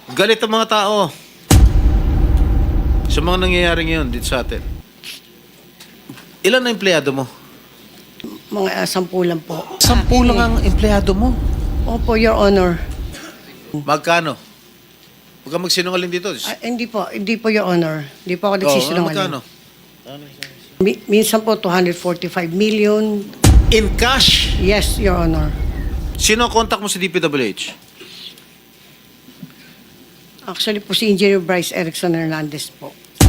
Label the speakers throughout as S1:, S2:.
S1: Galit ang mga tao sa mga nangyayari ngayon dito sa atin. Ilan na empleyado mo?
S2: Mga 10 lang po.
S1: 10 lang ang empleyado mo.
S2: Opo, Your Honor.
S1: Magkano? Huwag kang magsinungaling dito.
S2: Hindi po, Your Honor. Hindi po ako nagsisinungaling.
S1: Magkano?
S2: Minsan po, 245 million.
S1: In cash?
S2: Yes, Your Honor.
S1: Sino ang contact mo sa DPWH?
S2: Actually po, si Engineer Bryce Erickson Hernandez po.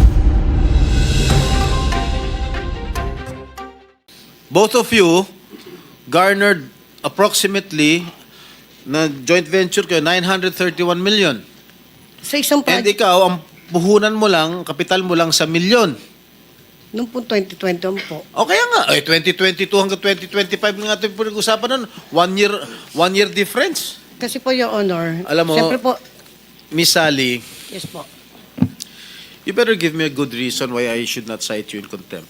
S1: Both of you garnered approximately na joint venture kayo, 931 million.
S2: Sa isang
S1: And
S2: project,
S1: ikaw, ang puhunan mo lang, kapital mo lang sa milyon.
S2: noong po 2021 po.
S1: O kaya nga, 2022 hanggang 2025 na nga ito pinag-usapan nun. One year difference.
S2: Kasi po, Your Honor,
S1: Alam mo,
S2: siyempre po,
S1: Miss Sally,
S2: yes po.
S1: you better give me a good reason why I should not cite you in contempt.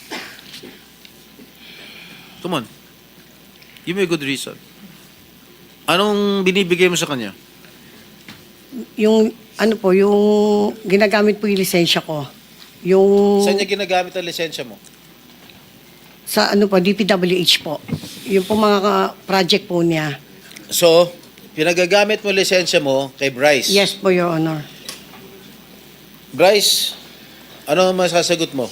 S1: Come on. Give me a good reason. Anong binibigay mo sa kanya?
S2: Yung, yung ginagamit po yung lisensya ko. Yung,
S1: Saan niya ginagamit ang lisensya mo?
S2: sa DPWH po. Yung po mga project po niya.
S1: So, pinagagamit mo lisensya mo kay Bryce.
S2: Yes po, Your Honor.
S1: Bryce, ano ang masasagot mo?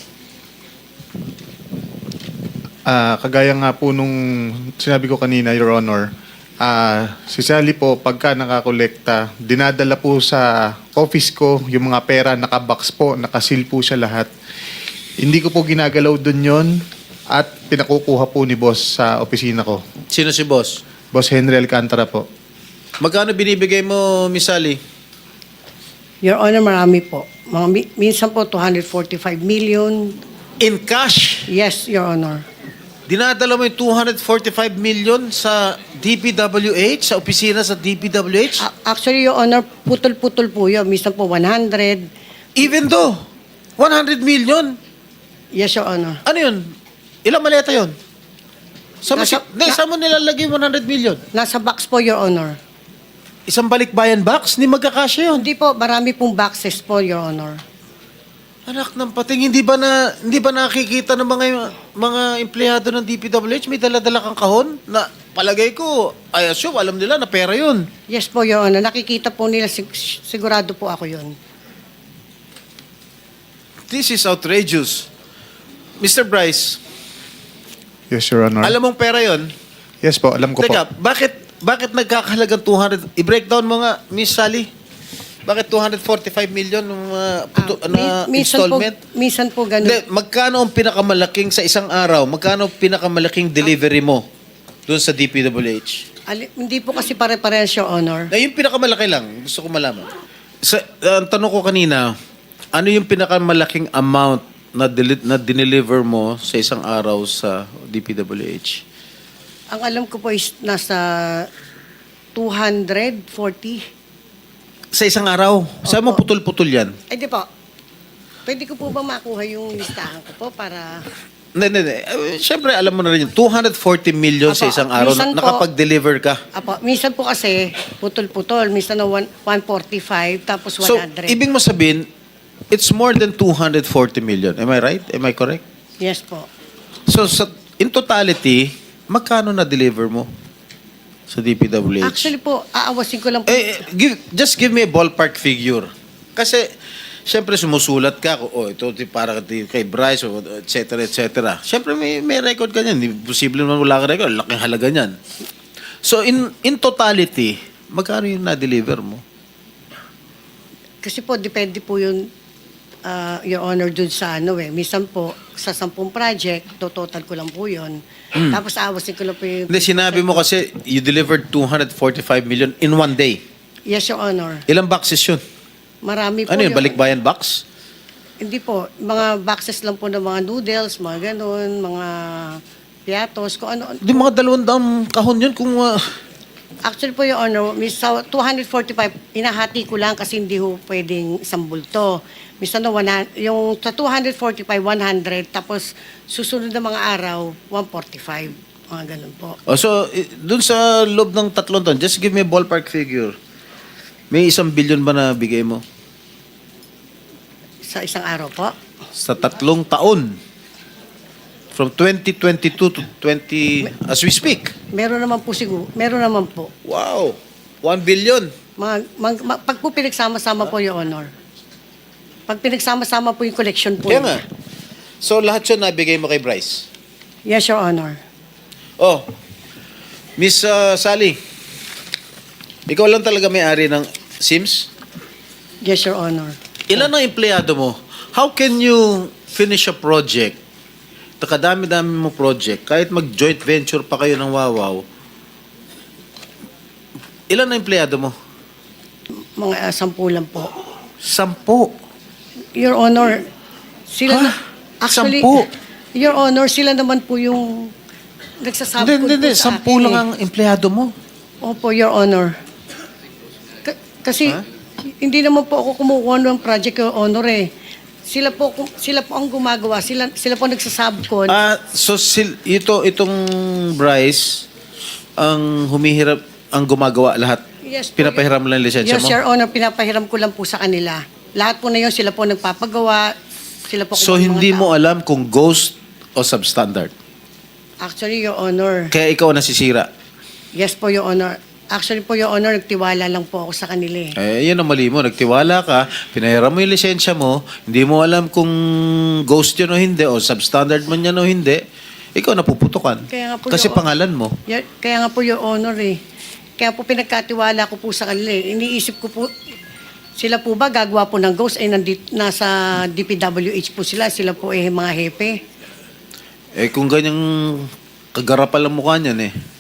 S3: Kagaya nga po nung sinabi ko kanina, Your Honor, si Sally po, pagka nakakolekta, dinadala po sa office ko yung mga pera, nakabox po, nakasil po siya lahat. Hindi ko po ginagalaw dun yon at pinakukuha po ni boss sa opisina ko.
S1: Sino si boss?
S3: Boss Henry Alcantara po.
S1: Magkano binibigay mo, Miss Sally?
S2: Your Honor, marami po. Minsan po, 245 million.
S1: In cash?
S2: Yes, Your Honor.
S1: Dinadala mo yung 245 million sa DPWH, sa opisina sa DPWH?
S2: Actually, Your Honor, putol-putol po yun. Minsan po, 100.
S1: Even though, 100 million?
S2: Yes, Your Honor.
S1: Ano yun? Ilang maleta yun? Saan mo
S2: Nasa-
S1: nilalagay 100 million?
S2: Nasa box po, Your Honor.
S1: Isang balikbayan box? Hindi magkakasya yun.
S2: Hindi po, marami pong boxes po, Your Honor.
S1: Anak ng pating, hindi ba nakikita ng mga empleyado ng DPWH may dala-dala kang kahon na palagay ko, I assume, alam nila na pera yun.
S2: Yes po, Your Honor. Nakikita po nila, sigurado po ako yun.
S1: This is outrageous. Mr. Bryce,
S3: Yes, Your Honor.
S1: alam mong pera yun?
S3: Yes po, alam ko
S1: Teka,
S3: po.
S1: bakit nagkakahalagang 200? I-breakdown mo nga, Miss Sally. Bakit 245 million ng installment?
S2: Minsan po ganun.
S1: Hindi, magkano ang pinakamalaking sa isang araw? Magkano ang pinakamalaking delivery mo doon sa DPWH?
S2: Hindi po kasi pare-parehas, Your Honor.
S1: Na yung pinakamalaki lang, gusto ko malaman. Ang tanong ko kanina, ano yung pinakamalaking amount na dineliver mo sa isang araw sa DPWH?
S2: Ang alam ko po is nasa 240.
S1: Sa isang araw? Saan mo
S2: Opo.
S1: putol-putol yan?
S2: Ay, di po. Pwede ko po ba makuha yung listahan ko po para...
S1: Hindi. Siyempre, alam mo na rin yun. 240 million sa
S2: Apo,
S1: isang araw
S2: minsan po-
S1: nakapag-deliver ka.
S2: Apo, minsan po kasi putol-putol. Minsan na 145 tapos 100.
S1: So, ibig mo sabihin, it's more than 240 million. Am I right? Am I correct?
S2: Yes po.
S1: So, in totality, magkano na-deliver mo sa DPWH?
S2: Actually po, aawasin ko lang po.
S1: Just give me a ballpark figure. Kasi, siyempre sumusulat ka, ito para kay Bryce, et cetera. Siyempre may record ka niyan. Hindi posible naman wala ka record. Laking halaga niyan. So, in totality, magkano yung na-deliver mo?
S2: Kasi po, depende po yun, Your Honor, dun sa Minsan po, sa 10 project, total ko lang po yun. Tapos aawasin ko lang po yung...
S1: Hindi, sinabi mo kasi you delivered 245 million in one day.
S2: Yes, Your Honor.
S1: Ilang boxes yun?
S2: Marami po.
S1: Ano yun,
S2: Your
S1: balikbayan box?
S2: Hindi po. Mga boxes lang po ng mga noodles, mga ganun, mga piatos, kung ano.
S1: Di mga 200 kahon yun kung...
S2: Actually po, Your Honor, sa 245, inahati ko lang kasi hindi ho pwedeng isang bulto. Minsan yung sa 245, 100, tapos susunod na mga araw, 145. Mga ganun po.
S1: So, dun sa loob ng 3 taon, just give me a ballpark figure. May 1 billion ba na bigay mo?
S2: Sa isang araw po.
S1: Sa 3 taon. From 2022 to 20, as we speak.
S2: Meron naman po siguro. Meron naman po.
S1: Wow. 1 billion.
S2: Pag po pinagsama-sama po, Your Honor. Pag pinagsama-sama po yung collection po.
S1: Kaya nga. So, lahat yun nabigay mo kay Bryce?
S2: Yes, Your Honor.
S1: Oh, Miss Sally, ikaw lang talaga may-ari ng Sims?
S2: Yes, Your Honor.
S1: Ilan ang empleyado mo? How can you finish a project? Kadami-dami mo project. Kahit mag-joint venture pa kayo ng Wawaw. Ilan ang empleyado mo?
S2: Mga 10 lang po.
S1: 10.
S2: Your Honor, sila
S1: Ha?
S2: na... Actually,
S1: 10?
S2: Your Honor, sila naman po yung nagsasabot
S1: Hindi.
S2: po sa
S1: 10
S2: akin.
S1: lang ang empleyado mo.
S2: Opo, Your Honor. Kasi
S1: Ha?
S2: hindi naman po ako kumukuha ng project, Your Honor eh. Sila po ang gumagawa. Sila po nagsasabkon.
S1: So itong Bryce ang humihirap, ang gumagawa lahat.
S2: Yes po.
S1: Pinapahiram lang ang lisensya
S2: Yes,
S1: mo?
S2: Your Honor, pinapahiram ko lang po sa kanila. Lahat po na yun, sila po nagpapagawa. Sila po
S1: So
S2: kung ano
S1: hindi
S2: mga
S1: mo
S2: tao.
S1: alam kung ghost o substandard.
S2: Actually, Your Honor.
S1: Kaya ikaw ang nasisira.
S2: Yes po, Your Honor. Actually po, Your Honor, nagtiwala lang po ako sa kanila eh.
S1: Yan ang mali mo. Nagtiwala ka, pinahiram mo yung lisensya mo, hindi mo alam kung ghost yun o hindi, o substandard man yan o hindi, ikaw napuputukan.
S2: Kaya nga po,
S1: Kasi
S2: Your-
S1: pangalan mo.
S2: Kaya nga po, Your Honor eh. Kaya po pinagkatiwala ko po sa kanila eh. Iniisip ko po, sila po ba gagawa po ng ghost ay nasa DPWH po sila po eh mga hepe.
S1: Kung ganyang kagarapal ang mukha niyan